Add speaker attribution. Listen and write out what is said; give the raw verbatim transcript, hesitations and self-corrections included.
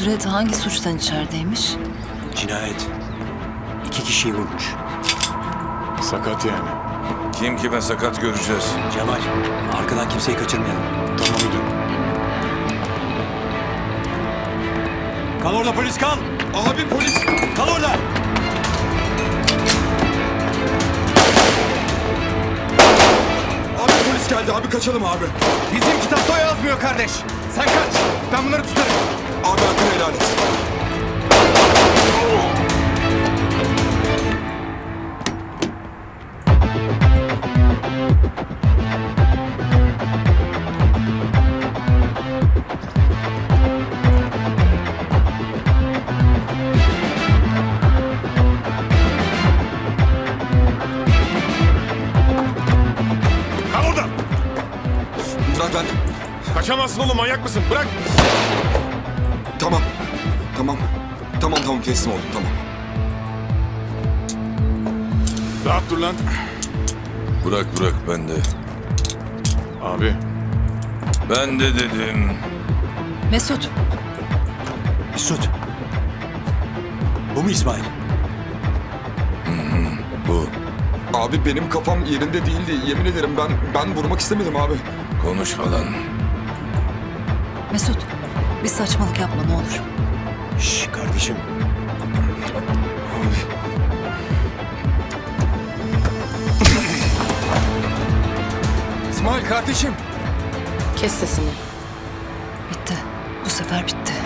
Speaker 1: Kudret hangi suçtan içerideymiş?
Speaker 2: Cinayet. İki kişiyi vurmuş.
Speaker 3: Sakat yani.
Speaker 4: Kim kime sakat göreceğiz.
Speaker 2: Cemal, arkadan kimseyi kaçırmayalım.
Speaker 3: Tamam müdürüm.
Speaker 2: Kal orada polis, kal!
Speaker 5: Abi polis!
Speaker 2: Kal orada!
Speaker 5: Abi polis geldi abi, kaçalım abi.
Speaker 6: Bizim kitapta o yazmıyor kardeş. Sen kaç. Ben bunları tutarım.
Speaker 5: Abi hakkını helal et.
Speaker 3: Kal orada!
Speaker 5: Bırak ben.
Speaker 3: Kaçamazsın oğlum, manyak mısın? Bırak!
Speaker 5: Tamam. Tamam. Tamam tamam teslim oldum, tamam.
Speaker 3: Rahat dur lan.
Speaker 4: Bırak bırak ben de.
Speaker 3: Abi.
Speaker 4: Ben de dedim.
Speaker 1: Mesut,
Speaker 2: Mesut. Bu mu İsmail?
Speaker 4: Bu.
Speaker 5: Abi benim kafam yerinde değildi. Yemin ederim ben ben vurmak istemedim abi.
Speaker 4: Konuşma lan.
Speaker 1: Mesut. Bir saçmalık yapma ne olur.
Speaker 2: Şş kardeşim.
Speaker 6: İsmail kardeşim.
Speaker 1: Kes sesini. Bitti. Bu sefer bitti.